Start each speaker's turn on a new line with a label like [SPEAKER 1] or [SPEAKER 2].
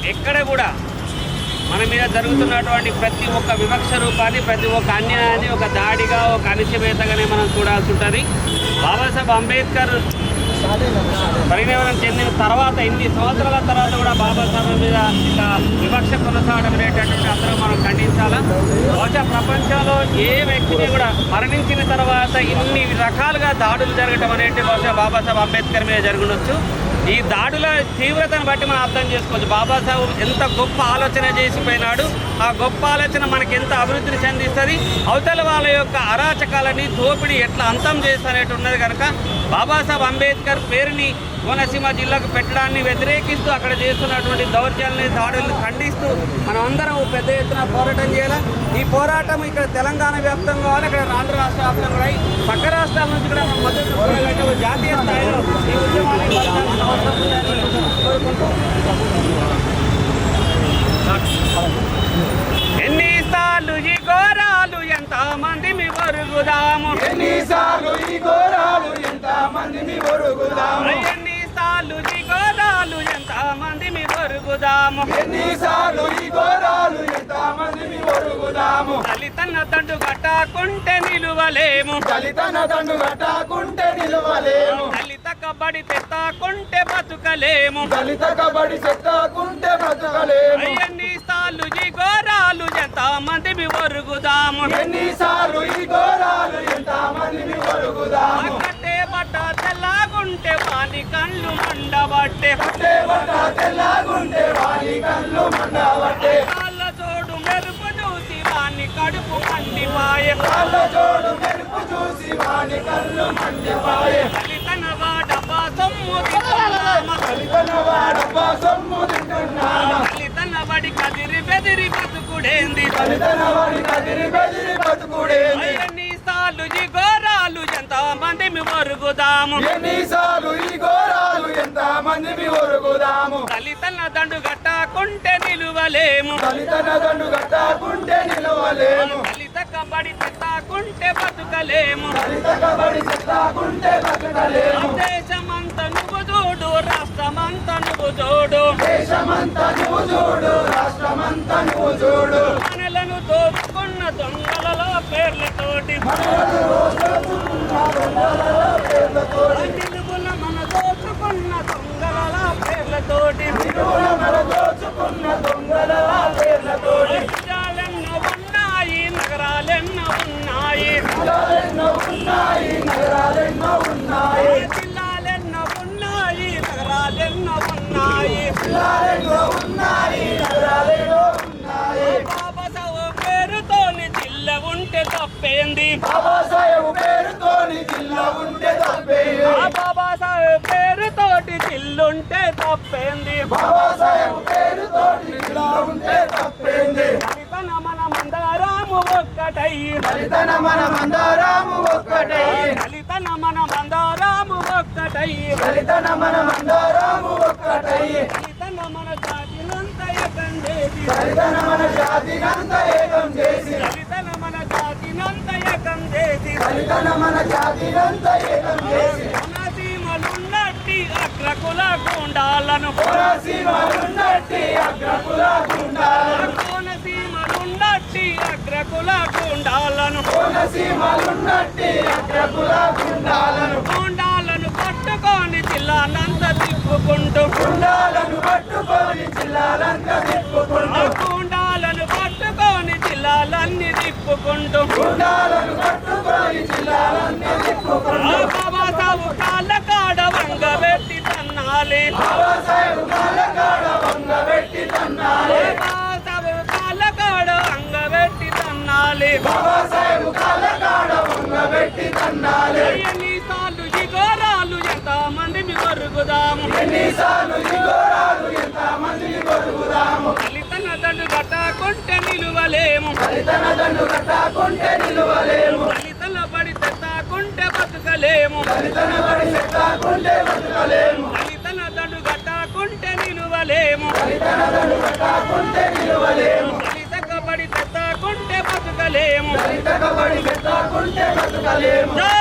[SPEAKER 1] ఎక్కడ కూడా మన మీద జరుగుతున్నటువంటి ప్రతి ఒక్క వివక్ష రూపాన్ని, ప్రతి ఒక్క అన్యాయాన్ని ఒక దాడిగా, ఒక అణిచివేతగానే మనం చూడాల్సి ఉంటుంది. బాబాసాహెబ్ అంబేద్కర్ పరిణామం చెందిన తర్వాత ఇన్ని సంవత్సరాల తర్వాత కూడా బాబాసాహెబ్ మీద ఇక వివక్ష కొనసాగడం అనేటటువంటి అందరూ మనం ఖండించాలా. బహుశా ప్రపంచంలో ఏ వ్యక్తిని కూడా మరణించిన తర్వాత ఇన్ని రకాలుగా దాడులు జరగడం అనేది బహుశా బాబాసాహెబ్ అంబేద్కర్ మీద జరుగుండొచ్చు. ఈ దాడుల తీవ్రతను బట్టి మనం అర్థం చేసుకోవచ్చు. బాబాసాహెబ్ ఎంత గొప్ప ఆలోచన చేసిపోయినాడు, ఆ గొప్ప ఆలోచన మనకి ఎంత అభివృద్ధిని చెందిస్తుంది, అవతల వాళ్ళ యొక్క అరాచకాలని దోపిడీ ఎట్లా అంతం చేస్తానేటి ఉన్నది కనుక బాబాసాహెబ్ అంబేద్కర్ పేరుని కోనసీమ జిల్లాకు పెట్టడాన్ని వ్యతిరేకిస్తూ అక్కడ చేస్తున్నటువంటి దౌర్జన్యాలని, దాడులను ఖండిస్తూ మనం అందరం పెద్ద ఎత్తున పోరాటం చేయాలి. ఈ పోరాటం ఇక్కడ తెలంగాణ వ్యాప్తంగా కావాలి, ఇక్కడ ఆంధ్ర రాష్ట్ర వ్యాప్తంగా కూడా పక్క రాష్ట్రాల నుంచి కూడా మద్దతు జాతీయ స్థాయిలో ఈ ఉద్యమాన్ని అవసరం ఉందని కోరుకుంటూ ఎన్నిసార్లు ఈ ఘోరాలు ఎంత మంది మీ వరుగుదాము,
[SPEAKER 2] ఎన్నిసార్లు ఈ ఘోరాలు ఎంత మంది మీ వరుగుదాము,
[SPEAKER 1] ఎన్నిసార్లు ఈ ఘోరాలు ఎంత మంది మీ వరుగుదాము,
[SPEAKER 2] ఎన్నిసార్లు ఈ ఘోరాలు ఎంత మంది మీ వరుగుదాము.
[SPEAKER 1] దళితన్న దండు కట్టకుంటే నిలువలేము,
[SPEAKER 2] దళితన దండు కట్టకుంటే నిలవలేము,
[SPEAKER 1] దళిత కబడి తెత్తకుంటే బతుకలేము,
[SPEAKER 2] దళిత కబడి చెత్తకుంటే బ్రతకలేము.
[SPEAKER 1] ఎన్నిసార్లు ఈ ఘోరాలు ఎంత మంది మీ వరుగుదాము,
[SPEAKER 2] ఎన్నిసార్లు ఈ ఘోరాలు ఎంత మంది మీ వరుగుదాము.
[SPEAKER 1] కట్టే బట్ట తెల్లగుంటే వాని కళ్ళు మండబట్టే,
[SPEAKER 2] కట్టే బట్ట తెల్లగుంటే వాని కళ్ళు మండబట్టే,
[SPEAKER 1] కాళ్ళ చోడు మెరుపు చూసి వాని కడుపు మండిపాయే,
[SPEAKER 2] కాళ్ళ జోడు మెరుపు చూసి వాని కళ్ళు మండిపాయే.
[SPEAKER 1] దళితన వాడబ్బా సొమ్ము తింటున్నామా,
[SPEAKER 2] దళితన వాడబ్బా సొమ్ము తింటున్నామా,
[SPEAKER 1] దళితన వాడి కదిరి బెదిరి బతుకుడేంది,
[SPEAKER 2] దళితన వాడి కదిరి బెదిరి బతుకుడేంది.
[SPEAKER 1] ఎన్నిసార్లు ఈ ఘోరాలు ఎంత మంది మీ వరుగుదాము,
[SPEAKER 2] ఎన్నిసార్లు ఈ ఘోరాలు ఎంత మంది మీ వరుగుదాము.
[SPEAKER 1] దళితన దండు కట్టకుంటే నిలువలేము,
[SPEAKER 2] దళితన దండు కట్టకుంటే నిలవలేము,
[SPEAKER 1] దళిత కబడి తెత్తకుంటే బతుకలేము,
[SPEAKER 2] దళిత కబడి చెత్తకుంటే బతకలేము.
[SPEAKER 1] దేశమంతా నువ్వు చూడు, రాష్ట్రమంతా నువ్వు చూడు,
[SPEAKER 2] దేశమంతా నువ్వు చూడు, రాష్ట్రమంతా నువ్వు చూడు.
[SPEAKER 1] మనలను దోచుకున్న దొంగలలో పేర్లతోటి, నిలువుల మన దోచుకున్న దొంగల పేర్లతోటి,
[SPEAKER 2] మన దోచుకున్న దొంగల పేర్లతోటి.
[SPEAKER 1] రాజ్యాలెన్నో ఉన్నాయి, నగరాలెన్నో ఉన్నాయి,
[SPEAKER 2] జిల్లాలెన్నో ఉన్నాయి, నగరాలెన్నో ఉన్నాయి,
[SPEAKER 1] జిల్లాలెన్నో ఉన్నాయి, నగరాలెన్నో ఉన్నాయి.
[SPEAKER 2] జిల్లాలెన్నో ఉన్నాయి, నగరాలెన్నో ఉన్నాయి.
[SPEAKER 1] బాబాసాహెబ్ పేరుతోని జిల్ల ఉంటే తప్పేంది,
[SPEAKER 2] బాబాసాహెబ్ పేరుతోని జిల్లా ఉంటే తప్పేంది,
[SPEAKER 1] బాబాసాహెబ్ పేరుతోటి జిల్లుంటే తప్పేంది,
[SPEAKER 2] బాబాసాహెబ్ పేరుతోటి జిల్లా ఉంటే తప్పేంది.
[SPEAKER 1] దళితన మన మందారాము ఒక్కటై,
[SPEAKER 2] దళితన మన మందారాము ఒక్కటై,
[SPEAKER 1] దళితన మన మందారాము ఒక్కటై,
[SPEAKER 2] దళితన మన మందారాము ఒక్కటై,
[SPEAKER 1] దళితన మన జాతినంత ఏకం చేసి,
[SPEAKER 2] దళితన మన జాతినంత ఏకం చేసి,
[SPEAKER 1] దళితన మన జాతినంత ఏకం చేసి,
[SPEAKER 2] దళితన మన జాతినంత ఏకం చేసి.
[SPEAKER 1] కోనసీమలున్నట్టి అగ్రకుల గుండాలను,
[SPEAKER 2] కోనసీమలున్నట్టి అగ్రకుల గుండాలను,
[SPEAKER 1] కోనసీమలున్నట్టి అగ్రకుల గుండాలను,
[SPEAKER 2] కోనసీమలున్నట్టి అగ్రకుల గుండాలను,
[SPEAKER 1] గుండాలను పట్టుకొని జిల్లానంత తిప్పుకుంటూ,
[SPEAKER 2] గుండాలను పట్టుకొని జిల్లాలంతా తిప్పుకుంటూ,
[SPEAKER 1] గుండాలను పట్టుకొని జిల్లాలన్నీ తిప్పుకుంటూ,
[SPEAKER 2] గుండాలను పట్టుకొని జిల్లాలన్నీ తిప్పుకుంటూ.
[SPEAKER 1] బాబాసాహెబ్ కాళ్ళ కాడ వంగబెట్టి తన్నాలి,
[SPEAKER 2] బాబాసాహెబ్ కాళ్ళకాడ వంగబెట్టి తన్నాలి,
[SPEAKER 1] బాబాసాహెబ్ కాళ్ళ కాడ వంగబెట్టి తన్నాలి.
[SPEAKER 2] బాబాసాహెబ్ కాళ్ళకాడ వంగబెట్టి తన్నాలి.
[SPEAKER 1] ఎన్నిసార్లు ఈ ఘోరాలు ఎంత మంది మీ వరుగుదాము,
[SPEAKER 2] ఎన్నిసార్లు ఈ ఘోరాలు ఎంత మందిని కొరుగుదాము.
[SPEAKER 1] దళితన దండు కట్టకుంటే నిలువలేము,
[SPEAKER 2] దళితన దండు కట్టకుంటే నిలువలేము,
[SPEAKER 1] దళితల బడి తెత్తకుంటే బతుకలేము,
[SPEAKER 2] దళితన బడి చెత్తకుంటే బతకలేము,
[SPEAKER 1] దళితన దండు కట్టకుంటే నిలువలేము,
[SPEAKER 2] దళితన దండు కట్టకుంటే నిలువలేము,
[SPEAKER 1] దళిత కబడి తెత్తకుంటే బతుకలేము.
[SPEAKER 2] దళిత కబడి చెత్తకుంటే బతకలేము.
[SPEAKER 1] జై